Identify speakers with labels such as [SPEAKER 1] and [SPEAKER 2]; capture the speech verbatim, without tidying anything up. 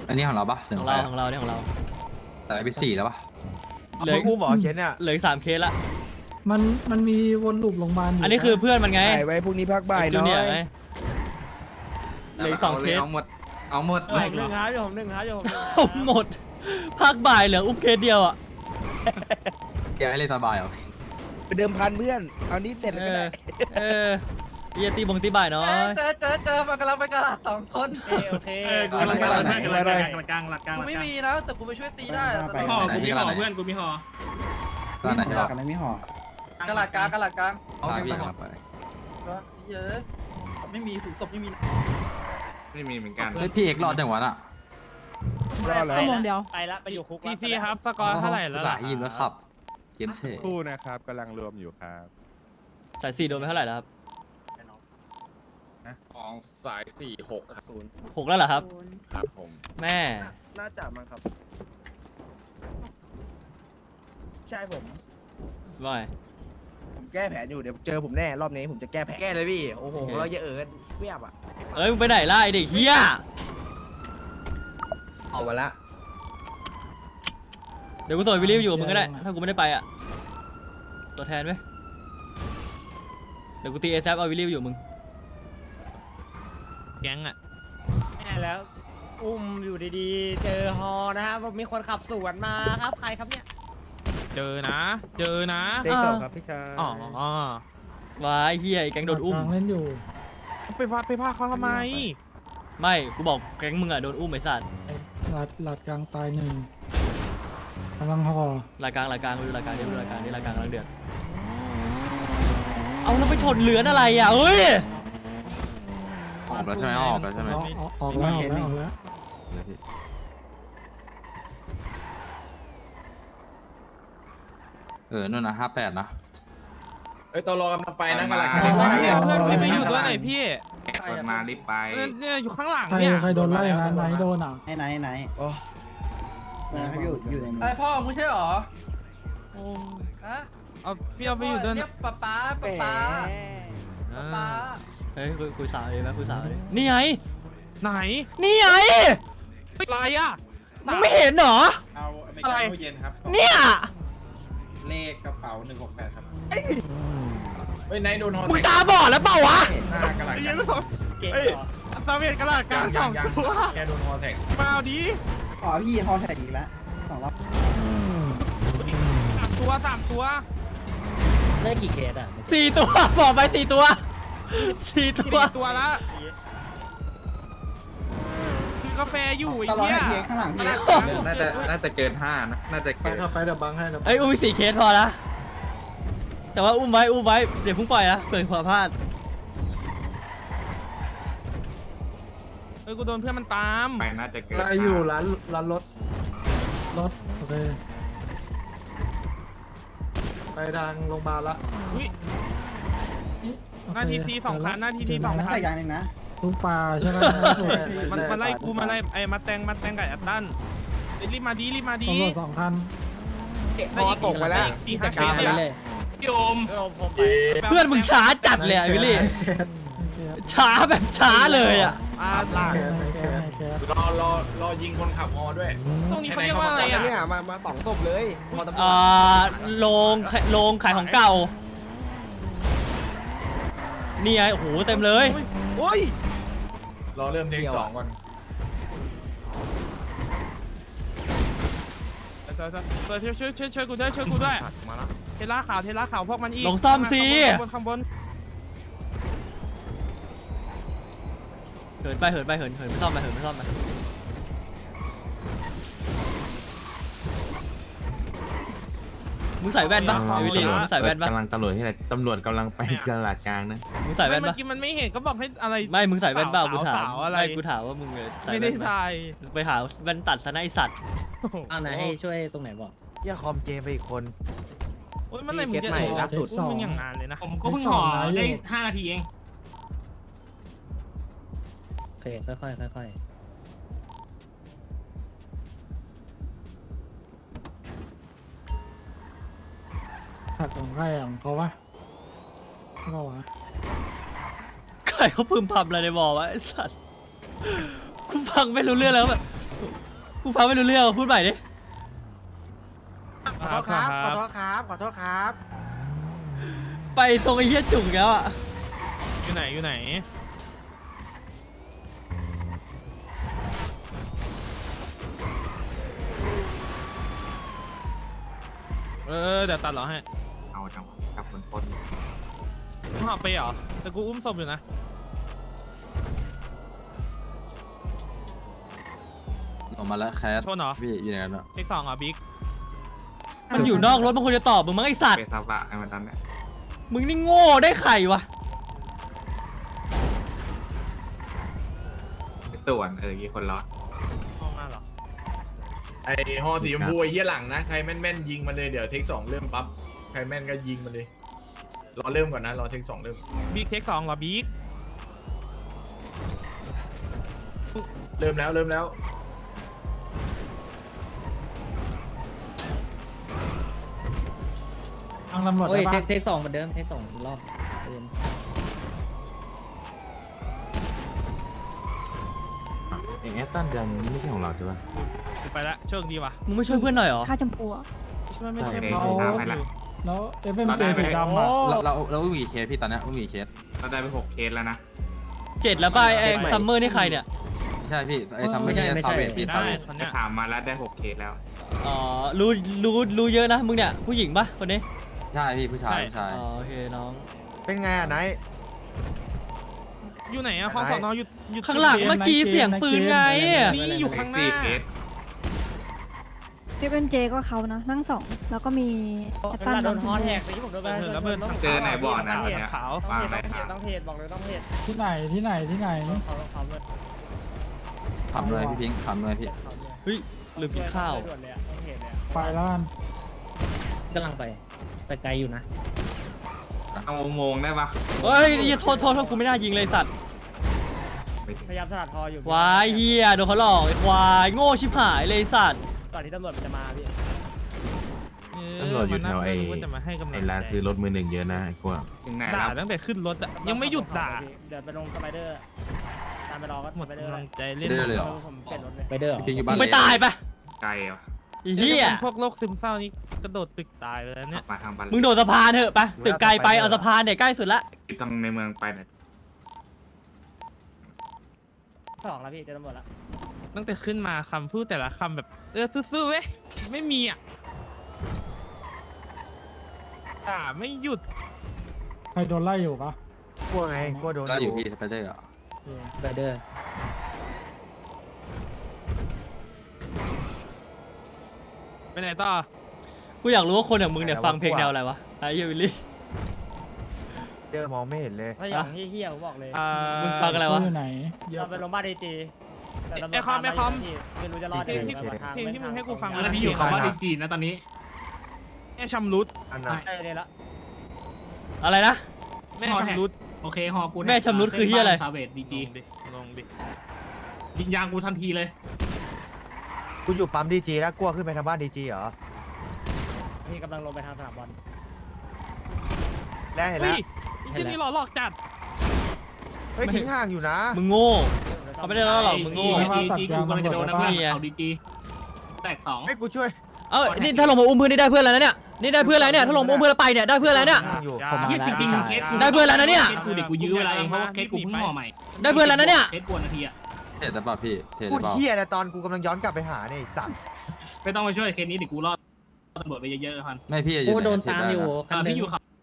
[SPEAKER 1] อันนี้ของเราปะ
[SPEAKER 2] ของเราของเราเนี่ยของเรา
[SPEAKER 1] แต่ไปสี่แล้วปะ
[SPEAKER 2] เหลือ
[SPEAKER 3] อุ้มหมอเคสเนี่ย
[SPEAKER 2] เหลืออีกสามเคสละ
[SPEAKER 4] มันมันมีวนลูปโรงพยาบาลอยู่
[SPEAKER 2] อันนี้คือเพื่อนมันไง
[SPEAKER 3] ถ่ายไว้พรุ่งนี้พักบ่าย
[SPEAKER 2] จู
[SPEAKER 3] น้อ
[SPEAKER 2] เนียร์
[SPEAKER 3] ย
[SPEAKER 2] ไงเหลืออีกสองเคส
[SPEAKER 1] เอาหมดเอาหมด
[SPEAKER 5] ผมหนึ่งฮะผมหนึ่งฮะผมหนึ่ง
[SPEAKER 2] เอาหมดภาคบ่ายเหลืออุ้มเคสเดียวอ่ะ
[SPEAKER 1] แกให้เล่นสบายเหรอ
[SPEAKER 3] ไปเดิมพันเพื่อนเอานี้เสร็จแล้ว
[SPEAKER 2] เอ
[SPEAKER 3] ก็
[SPEAKER 2] อ
[SPEAKER 3] ได้
[SPEAKER 2] เออเยียตีบงตีบ่ายเนาะ
[SPEAKER 6] เจอเจอเจอมันกำลังไปกระดาษสองคน
[SPEAKER 5] โอเคกูกำลังกำลังกำลังกำลังกลางหลักกลาง
[SPEAKER 6] กูไม่มีนะแต่กูไปช่วยตีได้
[SPEAKER 5] ห่อกูมีห่อเพื่อนกูมีห่อ
[SPEAKER 1] ตอนไหนที่เรา
[SPEAKER 7] กันไม่ห่อก
[SPEAKER 6] ระดาษกลางกระดาษกลาง
[SPEAKER 1] เอาพี่ครับไป
[SPEAKER 6] เยอะไม่มีถุงศพไม่มี
[SPEAKER 8] ไม่มีเหมือนกัน
[SPEAKER 1] เฮ้ยพี่เอกรอดจังหวะน่ะ
[SPEAKER 3] รอดแล้ว
[SPEAKER 5] ชั่วโมงเดียวไปละไปอยู่คุกทีทีครับสกอร์เท่าไหร่แล้ว
[SPEAKER 1] สายยิมแล้วขับเกมเช่
[SPEAKER 9] คู่นะครับกำลังรวมอยู่ครับ
[SPEAKER 2] สายสี่โดนไปเท่าไหร่แล้วครับ
[SPEAKER 8] ของสายสี่หกครับศูนย์
[SPEAKER 2] หกแล้วเหรอครับ
[SPEAKER 8] ครับผม
[SPEAKER 2] แม่
[SPEAKER 3] น่าจะมั้งครับ ใช่ผม
[SPEAKER 2] ว่าไง
[SPEAKER 3] ผมแก้แผนอยู่เดี๋ยวเจอผมแน่รอบนี้ผมจะแก้แผนแก้เลยพี่โอ้โห
[SPEAKER 2] โอเค
[SPEAKER 3] เราจะเออเวียบอ่ะ
[SPEAKER 2] เอ้ยมึงไปไหนล่ะไอเด็กเฮีย
[SPEAKER 3] เอามาละ
[SPEAKER 2] เดี๋ยวกูส่งวิลลี่อยู่กับมึงก็ได้ถ้ากูไม่ได้ไปอ่ะตัวแทนไหมเดี๋ยวกูตีเอซเอาวิลลี่อยู่มึงแก๊งอ่ะ
[SPEAKER 5] ไม่ได้แล้ว อุ้มอยู่ดีๆ เจอฮอนะฮะมีคนขับสวนมาครับใครครับเนี่ย
[SPEAKER 9] เจอนะ เจอนะ
[SPEAKER 5] เด็กส่งครับพี่ชาย
[SPEAKER 9] อ๋ออ๋อ
[SPEAKER 2] วายเฮียไอ้แก๊งโดนอุ้ม
[SPEAKER 4] กลางเล่นอยู่
[SPEAKER 9] ไปว่าไปว่าเขาทำไม
[SPEAKER 2] ไม่กูบอกแก๊งมึงอ่ะโดนอุ้มไอ้สัตว์
[SPEAKER 4] หลัดหลัดกลางตายหนึ่งกำลังห่อ
[SPEAKER 2] รายการรายการดูรายการเดี๋ยวดูรายการนี่รายการกำลังเดือดเอาแล้วไปชนเหลือนอะไรอ่ะเฮ้ย
[SPEAKER 1] ออกแล้วใช่ไหมออกแล้วใช่ไหม
[SPEAKER 4] ออกออกออกแล้วออกแล้วออกแล้ว
[SPEAKER 1] เออนู่นนะห้าแปดนะ
[SPEAKER 8] เอ้ยตอรอกำลังไปนะกำลัง
[SPEAKER 9] เพื่อนไม่ไปอยู่ตัวไหนพี่
[SPEAKER 8] แกะเปิดมารีบไป
[SPEAKER 9] เนี่ยอยู่ข้างหลัง
[SPEAKER 4] ใคร
[SPEAKER 9] เนี่ย
[SPEAKER 4] ใครโดนไล่นะไหนโดนอ่ะ
[SPEAKER 7] ไหนไหนไหน
[SPEAKER 3] โอ้
[SPEAKER 7] ไหนเขาอยู่อยู่ใน
[SPEAKER 6] ไอพ่อมึงใช่หรอฮะ
[SPEAKER 9] เอาพี่เอาไปอยู่ตัวไหน
[SPEAKER 6] เรียกป๊าป๊าป๊าป๊าป๊า
[SPEAKER 2] เฮ้ยคุยคุยสาวเลยไหมคุยสาวเลยนี่ไง
[SPEAKER 9] ไหน
[SPEAKER 2] นี่ไง
[SPEAKER 9] อะไรอ่ะ
[SPEAKER 2] มึงไม่เห็นเหรอ
[SPEAKER 8] เอาไม่
[SPEAKER 9] อะไร
[SPEAKER 8] ตู้เย็นครับ
[SPEAKER 2] เนี่ย
[SPEAKER 8] เลขกระเป๋าหนึ่งหกแปดครับเฮ้ยนายโดนฮอ
[SPEAKER 2] มึงตาบอดแล้วเปล่าวะ
[SPEAKER 8] หน้ากระหลัง
[SPEAKER 9] ไอ้
[SPEAKER 8] ยั
[SPEAKER 9] ยัง ง
[SPEAKER 5] เก่ง
[SPEAKER 9] เฮ้ย
[SPEAKER 5] เหรอ
[SPEAKER 9] ตาเวียนกระดาษกลางส
[SPEAKER 8] ยั
[SPEAKER 9] อง ง
[SPEAKER 8] ยัง
[SPEAKER 9] ตัว
[SPEAKER 8] แกโดนฮอแท็ก
[SPEAKER 9] มาเอาดี
[SPEAKER 7] อ๋อพี่ฮอแท็กอีกแล้วสองรอบ
[SPEAKER 9] สามตัวสามตัว
[SPEAKER 5] ได้กี่เคสอ่ะ
[SPEAKER 2] สี่ตัวบอกไปสี่ตัวสี่ตั
[SPEAKER 9] สี่
[SPEAKER 2] ว
[SPEAKER 9] ตัวละซื้อกาแฟอยู่ไอ้
[SPEAKER 7] ตลอด
[SPEAKER 9] เหี้ย
[SPEAKER 7] ให้เพียงข้างหลังพี่
[SPEAKER 8] น่าจะน่าจะเกินห้านะน่าจะเกิน
[SPEAKER 2] เอ้ยอุ้มสี่เคสพอละแต่ว่าอุ้มไว้อุ้มไว้เดี๋ยวเพุ่งปล่อยนะเกิดความพลาด
[SPEAKER 9] เออกูโดนเพื่อนมันตาม
[SPEAKER 8] ไปน่าจะเกิน
[SPEAKER 4] ไล่อยู่ร้านร้านรถรถโอเคไปทางโรงพยาบาลละ
[SPEAKER 9] อุ้ย หน้าทีทีสองคันหน้าทีทีสอง
[SPEAKER 7] แล้ว
[SPEAKER 9] คัน
[SPEAKER 7] ใส่ยางหนึ่งนะ
[SPEAKER 4] ทุกปลาใช่ไหม
[SPEAKER 9] มันมันไล่กูมาไล่ไอ้มาแตงมาแตงกับแอตตันเอ้ยรีบมาดีรีบมาดี
[SPEAKER 4] ตำรวจสองคัน
[SPEAKER 9] พอตกไปแล้วสี่ห้าเคสเลยโยม
[SPEAKER 5] ผมไป
[SPEAKER 2] เพื่อนมึงช้าจัดเลยอะวิลลี่ช้าแบบช้าเลยอ่ะ
[SPEAKER 9] อ่า
[SPEAKER 4] แคสแคสแคส
[SPEAKER 8] รอรอรอยิงคนขับฮอด้วย
[SPEAKER 9] ตรงนี้เขาเรียกว่าอะไรอ่ะ
[SPEAKER 3] เนี่ยมามาสองศพเลยมอเตอร์ไซ
[SPEAKER 2] อ่า
[SPEAKER 3] ค์
[SPEAKER 2] โรงโรงขายของเก่านี่ไงโอ้โหเต็มเลย
[SPEAKER 9] โอ้ย
[SPEAKER 8] รอเริ่มเทคสองก่อน
[SPEAKER 9] เปิดช่วยช่วยช่วยช่วยกูด้วยช่วยกูด้วยเทล่าขาวเทล่าขาวพวกมันอีก
[SPEAKER 2] ลงซ่อมสิ
[SPEAKER 9] ข้างบนข้างบน
[SPEAKER 2] เหินไปเหินไปเหินเหินไม่ซ่อมไปเหินไม่ซ่อมไปมึงใส่แว่นปะไอวิลลี่มึงใส่แว่นปะ
[SPEAKER 1] กำลังตำรวจที่ไหนตำรวจกำลังไปตลาดกลางนะ
[SPEAKER 2] มึงใส่แว่น
[SPEAKER 9] เมื่
[SPEAKER 2] ปะ
[SPEAKER 9] อกี้มันไม่เห็นก็บอกให้อะไร
[SPEAKER 2] ไม่มึงใส่แว่นเปล่ากูถาม
[SPEAKER 9] สาวๆอะไร
[SPEAKER 2] ไม่กูถามว่ามึงใส่
[SPEAKER 9] ไม่
[SPEAKER 2] แว่
[SPEAKER 9] ได้
[SPEAKER 2] นไหม
[SPEAKER 9] ถ่าย
[SPEAKER 2] ไปหาแว่นตัดซะนะไอสัตว์
[SPEAKER 5] เอาไหนให้ช่วยตรงไหนบอก
[SPEAKER 3] อย่าคอมเจมไปอีกคน
[SPEAKER 9] โอ้ยมันไหนมึงจะ
[SPEAKER 3] ใหม่ล่าสุด
[SPEAKER 9] อุ้มมึงอย่างงานเลยนะ
[SPEAKER 5] ผมก็เพิ่งห่อได้ห้านาทีเองโอเคค่อยๆค่อย
[SPEAKER 4] ผักของใครอ่ะของเขาปะก็วะ
[SPEAKER 2] ใครเขาพึมพำอะไรในบอวะไอสัตว์กูฟังไม่รู้เรื่องแล้วแบบกูฟังไม่รู้เรื่องพูดใหม่ดิ
[SPEAKER 9] ขอโทษครับขอโทษ
[SPEAKER 5] ครับขอโทษครับ
[SPEAKER 2] ไปทรงไอ้เหี้ยจุกแล้วอ่ะ
[SPEAKER 9] อยู่ไหนอยู่ไหนเออเดี๋ยวตัดเหรอให้
[SPEAKER 1] เอาจังกับคนคน
[SPEAKER 9] มึงหอบไปเหรอแต่กูอุ้มศพอยู่นะ
[SPEAKER 1] ออกมาแล้วแคส
[SPEAKER 9] โทษเหรอ
[SPEAKER 1] พี่อยู่ไหนกันอะ
[SPEAKER 9] เทคสองเหรอบิ๊ก
[SPEAKER 2] มันอยู่นอกรถมันควรจะตอบมึงมั้งไอสัตว์
[SPEAKER 1] เปซาบะไอ้มันนั้นเนี่ย
[SPEAKER 2] มึงนี่โง่ได้ไข่วะ
[SPEAKER 1] ส่วนเออกี่คนรอด
[SPEAKER 9] ห้องมาเหรอ
[SPEAKER 10] ไอ้ฮอสีชมพูไอ้เหี้ยหลังนะใครแม่นๆยิงมันเลยเดี๋ยวเทคสองเริ่มปั๊บใครแม่นก็ยิงมันเลยรอเริ่มก่อนนะรอเทคสองเริ่ม
[SPEAKER 9] บิ๊กเทคสองเหรอบิ๊ก
[SPEAKER 10] เริ่มแล้วเริ่มแล้ว
[SPEAKER 4] ทางตำรวจ
[SPEAKER 5] โอ้ย
[SPEAKER 4] ได้
[SPEAKER 5] เท
[SPEAKER 4] ปะ
[SPEAKER 5] คเทคสองเหมือนเดิมเทคสองอีกรอบเดิม
[SPEAKER 1] เองแอตตันเดือนนี้ไม่ใช่ของเราใช่ปะ
[SPEAKER 9] กูไปละโชคดีว่ะ
[SPEAKER 2] มึงไม่ช่วยเพื่อนหน่อยเหรอ
[SPEAKER 11] ค่าจำปัว
[SPEAKER 9] ช่วยไม่ใช่
[SPEAKER 1] ได้
[SPEAKER 9] เขา
[SPEAKER 1] ได้ไปละ
[SPEAKER 4] แล้วเอฟเอ็มเจสีดำอ่ะ
[SPEAKER 1] เราเราเราอุ้มกี่เคสพี่ตอนเนี้ยอุ้มกี่เคสเราได้ไปหกเคสแล้วนะ
[SPEAKER 2] เจ็ดแล้วป่ะไอ้ซัมเมอร์นี่ใครเนี่ย
[SPEAKER 1] ใช่พี่ไอ้ทำไม่ใช่ซาเวตพี่
[SPEAKER 9] ได้
[SPEAKER 1] ซาเวต
[SPEAKER 9] คนเนี้ย
[SPEAKER 1] ถามมาแล้วได้หกเคสแล้ว
[SPEAKER 2] อ๋อ รู้ รู้ รู้เยอะนะ มึงเนี่ย ผู้หญิงปะคนนี้
[SPEAKER 1] ใช่พี่ผู้ชายผู้ชาย
[SPEAKER 2] อ๋อ โอเค น้อง
[SPEAKER 3] เป็นไงอ่ะไนท์
[SPEAKER 9] อยู่ไหนอะห้องสอนออยู่อยู่
[SPEAKER 2] ข้างหลังเมื่อกี้เสียงปืนไง
[SPEAKER 9] นี่อยู่ข้างหน้า
[SPEAKER 11] เอฟเอ็มเจก็เขานะ นั่งสอง แล้วก็มีแอต
[SPEAKER 5] เว
[SPEAKER 11] ตัน
[SPEAKER 5] ลาโด
[SPEAKER 11] น้
[SPEAKER 5] น
[SPEAKER 11] อง
[SPEAKER 5] ฮ
[SPEAKER 11] ช
[SPEAKER 5] อ
[SPEAKER 11] ม
[SPEAKER 5] แท็
[SPEAKER 11] พู่
[SPEAKER 5] กนี้ผมโดนไป
[SPEAKER 9] แล้วเบิร์น
[SPEAKER 1] เจอไหนบ่อนะ
[SPEAKER 5] ต้องเห็น
[SPEAKER 9] ขาว
[SPEAKER 5] ต้องเห็นต้องเห็นบอกเลยต้องเห็น
[SPEAKER 4] ที่ไหนที่ไหนที่ไหน
[SPEAKER 5] เขาเขาเลย
[SPEAKER 1] ทำเลยพี่พิงค์ทำเลยพี่
[SPEAKER 2] เฮ้ย ลืมกินข้าว
[SPEAKER 5] ด่วนเลยอะต้องเห็นเลยอะ
[SPEAKER 4] ไปแล้วกัน
[SPEAKER 5] กำลังไปแต่ไกลอยู่นะ
[SPEAKER 1] เอาโมงได้ปะ
[SPEAKER 2] เฮ้ยอย่าโทษโทษโทษกูไม่น่ายิงเลยสัตว์
[SPEAKER 5] พยายามสลัดคออยู่
[SPEAKER 2] วายเฮียโดนเขาหลอกไอ้ควาย โง่ชิบหายเลยสัตว์
[SPEAKER 5] ก่อนที่ตำรวจมันจะมาพี่
[SPEAKER 9] ตำรวจอยู่แถวไอ้จะมาให้กำลัง
[SPEAKER 1] ไอ้ร้านซื้อรถมือหนึ่งเยอะนะไอ้พวกถึงไหน
[SPEAKER 9] ด่า
[SPEAKER 1] แล้ว
[SPEAKER 9] ตั้งแต่ขึ้นรถอะยังไม่หยุดด่า
[SPEAKER 5] เดี๋ยวไปลงสไปเดอร์ตามไปรอก็
[SPEAKER 9] หมด
[SPEAKER 5] สไปเดอร์
[SPEAKER 9] กำ
[SPEAKER 5] เล
[SPEAKER 9] ลั
[SPEAKER 5] ย
[SPEAKER 9] งใจเล่น
[SPEAKER 1] ได้เลยเหรอ
[SPEAKER 5] ผมเปลี่ยนรถเลย
[SPEAKER 3] ไปเด้อ
[SPEAKER 1] พี่พิงค์อยู่บ้า
[SPEAKER 2] มึ
[SPEAKER 1] น
[SPEAKER 2] งไปตายปะ
[SPEAKER 1] ไกลอ่ะ
[SPEAKER 2] ไอ้เฮีย
[SPEAKER 9] พวกโรคซึมเศร้านี่กระโดดตึกตายไปแล้วเนี่ย
[SPEAKER 1] มาทางบ้าน
[SPEAKER 2] มึงโดดสะพานเถอะไปตึกไกลไป เอาสะพานเนี่ยใกล้สุดละ
[SPEAKER 1] ตรงในเมืองไปเนี่ย
[SPEAKER 5] สองแล้วพี่เจอตำรวจแล้ว
[SPEAKER 9] ตั้งแต่ขึ้นมาคำพูดแต่ละคำแบบเออซื่อๆเว้ยไม่มีอ่ะด่าไม่หยุด
[SPEAKER 4] ใครโดนไล่อยู่ปะ
[SPEAKER 3] กลัวไงกลัวโดน
[SPEAKER 1] ก็อยู่พี่สไปเดอร์อ่ะ
[SPEAKER 5] สไปเดอร์
[SPEAKER 9] ไปไหนต่อ
[SPEAKER 2] กูอยากรู้ว่าคนอย่างมึงเนี่ยฟังเพลงแนวอะไรวะไอ้เฮียวิลลี่
[SPEAKER 3] เจอมองไม่เห็นเลย
[SPEAKER 5] ถ้าอย่างเฮี้ยๆผมบอกเลย
[SPEAKER 9] อ่า
[SPEAKER 2] มึงฟังอะไรวะ
[SPEAKER 4] อยู่ไหน
[SPEAKER 5] เราไปโรงพยาบาลดีจีแต่ตำรวจ
[SPEAKER 9] ไอ้คอมไอ้คอม
[SPEAKER 5] ไม่รู้จะรอด
[SPEAKER 9] เพลงที่
[SPEAKER 5] ตำรวจทา
[SPEAKER 9] เพลงที่มึงให้กูฟัง
[SPEAKER 5] ไม่
[SPEAKER 9] แล้ว
[SPEAKER 5] ทา
[SPEAKER 9] พี่อยู่คำว่า
[SPEAKER 3] ดี
[SPEAKER 9] ดีจีนะตอนนี้แม่ชำรุด
[SPEAKER 3] อันนั้น
[SPEAKER 5] ได้เลยละ
[SPEAKER 2] อะไรนะ
[SPEAKER 9] แม่ชำรุด
[SPEAKER 12] โอเคฮอกู
[SPEAKER 2] แม่ชำรุดคือเฮียอะไร
[SPEAKER 12] ซาเวดดี
[SPEAKER 9] ล
[SPEAKER 12] จี
[SPEAKER 9] งดิลงดิ
[SPEAKER 12] ยิงยางกูทันทีเลย
[SPEAKER 3] กูอยู่ปั๊มดีจีแล้วกลัวขึ้นไปทางบ้านดีจีเหรอ
[SPEAKER 5] พี่กำลังลงไปทางสนามบอล
[SPEAKER 3] แล้วเห็น
[SPEAKER 9] เฮ้
[SPEAKER 3] แล้
[SPEAKER 9] ยว ไอ้ที่นี่หลอกหลอกจัด
[SPEAKER 3] เฮ้ยทิ้งห่างอยู่นะ
[SPEAKER 2] มึงโง่เขาไม่ได้ล้อหรอกมึงโง่
[SPEAKER 12] ดีจีกูกำลังจะโดนนะเพื่อน
[SPEAKER 2] นี่ไง
[SPEAKER 12] เขาดีจีแตกสอง
[SPEAKER 3] ให้กูช่วย
[SPEAKER 2] เอ้านี่ถ้าลงมาอุ้มเพื่อนนี่ได้เพื่อนแล้วนะเนี่ย นี่ได้เพื่อนแล้วเนี่ย ถ้าลงมาอุ้มเพื่อนแล้วไปเนี่ยได้เพื่อนแล้วเนี่ย
[SPEAKER 3] ห่างอยู่
[SPEAKER 4] ผมมา
[SPEAKER 12] เฮีย
[SPEAKER 4] แล้
[SPEAKER 12] จ
[SPEAKER 4] ว
[SPEAKER 12] ริงๆเคสกู
[SPEAKER 2] ได้เพื่อนแล้วนะเนี่ย
[SPEAKER 12] เคสกูเด็กกูยื้อเวลาเองเพราะว่าเคสกูเพิ่งห่อใหม่
[SPEAKER 2] ได้เพื่อนแล้วนะเนี่ย
[SPEAKER 12] เคสกวนนาทีอะ
[SPEAKER 1] เทรดได้ป่ะพี่เทรด
[SPEAKER 3] พู
[SPEAKER 1] ได้
[SPEAKER 3] ด
[SPEAKER 1] ป่ะ
[SPEAKER 3] เฮียอะไรตอนกูกำลังย้อนกลับไปหาเนี่ยไอ้สัตว์
[SPEAKER 12] ไม่ต้องไปช่วยเคสนี้เดี๋ยวกูรอดตำรวจไปเยอะๆพัน
[SPEAKER 1] ไม่พี่
[SPEAKER 5] กูโดนตามอยู่
[SPEAKER 12] อ่าพี่อยู่เขา